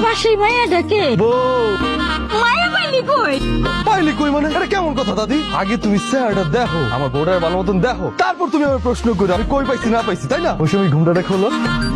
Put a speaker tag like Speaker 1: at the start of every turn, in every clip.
Speaker 1: পাশেই মাইয়াটাকে
Speaker 2: বউ
Speaker 1: মায়া পাইলি কই?
Speaker 2: পাইলি কই মানে? এটা কেমন কথা দাদি? আগে তুমি চেহারাটা দেখো, আমার বউটার ভালো মতন দেখো, তারপর তুমি আমার প্রশ্ন করো আমি কই পাইছি না পাইছি, তাই না? ওই সময় ঘুমটাটা খোলো।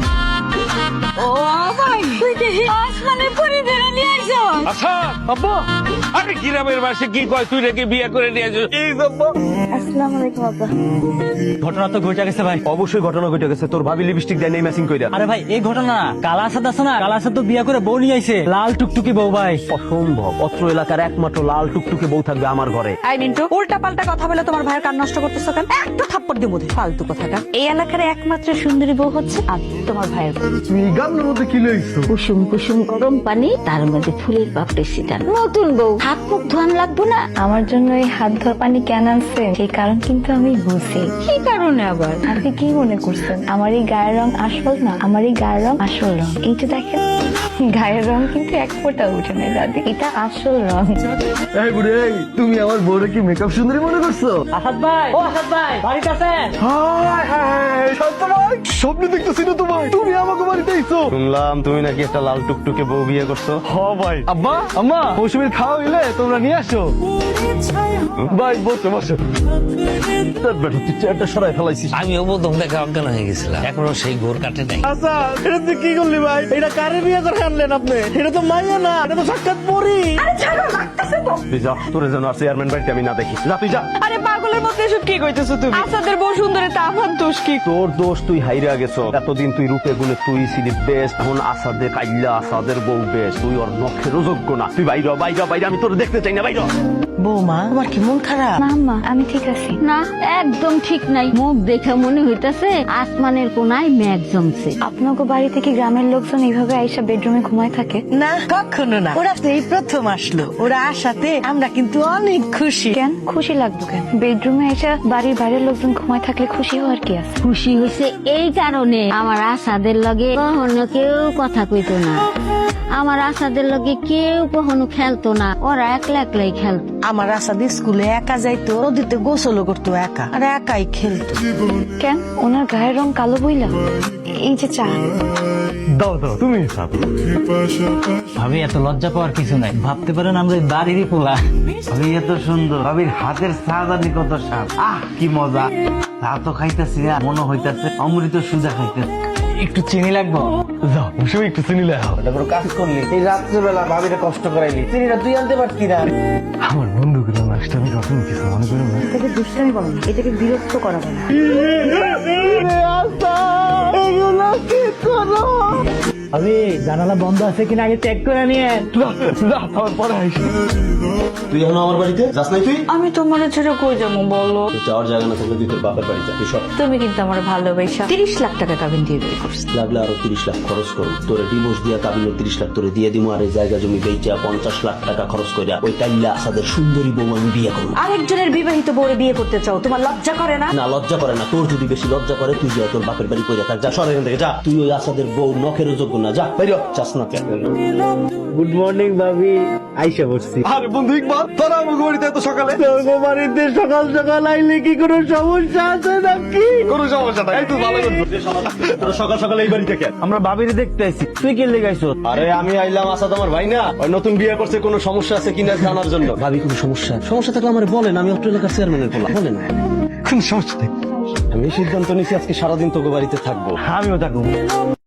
Speaker 1: ও ভাই, তুই দেখি আসমানের পরি ধরে নিয়ে আইছো।
Speaker 3: আচ্ছা
Speaker 2: আব্বা
Speaker 3: আরে গ্রামের বাসে কি কয় তুই নাকি বিয়ে করে নিয়ে আসিস? এই আব্বা
Speaker 1: আসসালামু আলাইকুম আব্বা।
Speaker 4: ঘটনা তো ঘটে গেছে ভাই।
Speaker 2: অবশ্যই ঘটনা ঘটে গেছে, তোর ভাবি লিপস্টিক দেয় নেই ম্যাচিং কইরা।
Speaker 4: আরে ভাই এই ঘটনা না, কালাসাদ আছে না, কালাসাদ তো বিয়ে করে বউ নিয়ে আইছে, লাল টুকটুকি বউ ভাই।
Speaker 2: অসম্ভব, অত্র এলাকার একমাত্র লাল টুকটুকে বউ থাকবে আমার ঘরে।
Speaker 5: আই মিন্টু, উল্টা পাল্টা কথা বলে তোমার ভাইয়ের কান নষ্ট করতেছো কেন? একটু থাপ্পড় দিব ফালতু কথাটা। এই এলাকার একমাত্র সুন্দরী বউ হচ্ছে আমি, তোমার ভাইয়ের বউ।
Speaker 2: তুমি গামলার মধ্যে কি লইছো?
Speaker 1: কুসুম কুসুম গরম পানি, তার মধ্যে ফুলের পাপড়ি ছিটানো। নতুন বউ, হাত মুখ ধোয়ান লাগবো না?
Speaker 6: আমার জন্য এই হাত ধোয়ার পানি কেন আনছেন সেই কারণ কিন্তু আমি বুঝি।
Speaker 1: কি কারণে আবার?
Speaker 6: আপনি কি মনে করছেন আমার এই গায়ের রং আসল না? আমার এই গায়ের রং আসল রং। এই যে দেখেন গায়ের রং কিন্তু এক ফোঁটা উঠে নেই দাদি, এটা আসল রং।
Speaker 2: এই বুড়ি, এই তুমি আমার বউরে কি মেকআপ সুন্দরী মনে করছো?
Speaker 4: আসাদ ভাই, ও আসাদ ভাই, বাড়িতে আছেন?
Speaker 2: হায় হায়, শান্ত ভাই, স্বপ্নে দেখতেছি না তোমায়, তুমি আমাকে বাড়িতে আইছো।
Speaker 7: শুনলাম তুমি নাকি একটা লাল টুকটুকে বউ বিয়ে করছো।
Speaker 2: হ ভাই। আব্বা আম্মা, মৌসুমীর খাওয়া হইলে তোমরা নিয়ে আসো। ভাই বসো বসো। তোর বেটা তুই চেয়ারটা সরাই ফেলাইছিস।
Speaker 3: আমিও প্রথম দেখা অজ্ঞান হয়ে গেছিলাম, এখনো সেই ঘোর কাটে নাই।
Speaker 4: আচ্ছা এটা তুই কি করলি ভাই? এটা কারে বিয়ে করে আনলেন আপনি? এটা তো মাইয়া না, এটা তো সাক্ষাৎ পরি।
Speaker 7: তুই যা, তোরে যেন আর চেয়ারম্যান বাড়িতে আমি না দেখি। যা তুই যা।
Speaker 5: আরে পাগলের মধ্যে এসব কি কইতেছো তুমি? আসাদের বউ সুন্দরী, তা আমার দোষ কি?
Speaker 7: তোর দোষ, তুই হাইরা গেছো। এতদিন তুই রূপে গুণে তুই ছিলি বেস্ট, এখন আসাদে কাইল্লা আসাদের বউ বেস্ট, তুই ওর নখেরও যোগ্য না। তুই বাইর বাইরা বাইরে, আমি তোর দেখতে চাই না, বাইর।
Speaker 5: বৌমা তোমার কি মন খারাপ?
Speaker 6: না আম্মা, আমি ঠিক আছি।
Speaker 1: না, একদম ঠিক নাই। মুখ দেখে মনে হইতাছে আসমানের কোনায় মেঘ জমছে।
Speaker 6: আপনাকে বাড়ি থেকে গ্রামের লোকজন এইভাবে আইসা বেডরুমে ঘুমায় থাকে?
Speaker 5: না কখনো না, ওরা তো এই প্রথম আসলো। ওরা আসাতে আমরা কিন্তু অনেক খুশি।
Speaker 6: কেন খুশি লাগবে কেন? বেডরুমে আইসা বাড়ির বাইরের লোকজন ঘুমায় থাকলে খুশি হওয়ার কি আছে?
Speaker 1: খুশি হয়েছে এই কারণে, আমার আসাদের লগে কখনো কেউ কথা কইতো না, আমার আসাদের লগে কেউ কখনো খেলতো না, ওরা একলা একলাই খেলতো।
Speaker 5: আমার আসাদ স্কুলে একা যাইতো, নদীতে গোসলও করতো একা, আর একাই খেলতো।
Speaker 6: কেন ওনার গায়ের রং কালো বইলা? এই যে চা।
Speaker 2: দাও দাও, তুমি খাবে।
Speaker 4: ভাবি এত লজ্জা পাওয়ার কিছু নাই, ভাবতে পারেন আমরা এই বাড়িরই পোলা।
Speaker 8: ভাবি এত সুন্দর, ভাবির হাতের সাজানি কত স্বাদ, আহ কি মজা। তা তো খাইতেছি না, মনে হইতাছে অমৃত সুজা খাইতেছি।
Speaker 4: একটু চিনি লাগবো?
Speaker 2: যাও মৌসুমী একটু চিনি লাও।
Speaker 8: এটা কোনো কাজ করলি? এই রাত্রেবেলা ভাবিরে কষ্ট করাইলি, চিনিটা তুই আনতে পারতি না?
Speaker 2: আমার বন্ধুগুলো নষ্ট, আমি কখনো কিছু মনে করি না।
Speaker 6: এটাকে দুষ্টামি বলো না, এটাকে বিরক্ত করা বলো।
Speaker 4: ভাবি জানালা বন্ধ আছে কিনা আগে চেক করে নিয়ে।
Speaker 2: আমার পরে আইসি।
Speaker 7: তুই এখন আমার বাড়িতে যাস নাই? তুই
Speaker 5: আমি তোমার ছেড়ে কই যাবো বলো?
Speaker 7: যাওয়ার জায়গা না থাকলে তুই তোর বাপের বাড়ি যা। তুই সব
Speaker 5: তুমি কিন্তু আমার ভালোবাসা 30 লাখ টাকা কাবিন দিয়ে বিয়ে করছো।
Speaker 7: লাগলে আরো 30 লাখ খরচ করো, তোরে ডিভোর্স দিয়া কাবিনের 30 লাখ তোরে দিয়ে দিমু, আর এই জায়গা জমি বেচা 50 লাখ টাকা খরচ কইরা ওই টাইল্লা আসাদের সুন্দরী বউ আমি বিয়ে করবো।
Speaker 5: আরেকজনের বিবাহিত বউরে বিয়ে করতে চাও, তোমার লজ্জা করে না?
Speaker 7: না লজ্জা করে না, তোর যদি বেশি লজ্জা করে তুই যা তোর বাপের বাড়ি কইরা থাক, যা সর এখান থেকে যা। তুই ওই আসাদের বউ নখেরও যোগ্য না, যা বাইরে চাস না কেন।
Speaker 4: গুড মর্নিং ভাবি, আইসা বসছি।
Speaker 2: আরে বন্ধু ইকবাল, তোরা আমাকে বাড়িতে এত সকালে?
Speaker 4: তোর বাড়িতে সকাল সকাল আইলে কি কোনো সমস্যা আছে নাকি?
Speaker 2: কোনো সমস্যা নাই, এই তো ভালো করছিস।
Speaker 7: তোরা সকাল সকাল এই বাড়িতে কেন?
Speaker 4: আমরা ভাবিরে দেখতে আইছি, তুই কে লেগাইছো?
Speaker 7: আরে আমি আইলাম আসাদ আমার ভাই না, ওই নতুন বিয়ে করছে, কোনো সমস্যা আছে কিনা জানার জন্য। ভাবি কোনো সমস্যা থাকলে আমার বলেন, আমি অত্র এলাকার চেয়ারম্যানের বলা বলেন।
Speaker 2: কোনো সমস্যা নেই।
Speaker 7: আমি সিদ্ধান্ত নিয়েছি আজকে সারাদিন তোকে বাড়িতে থাকবো।
Speaker 4: আমিও থাকবো।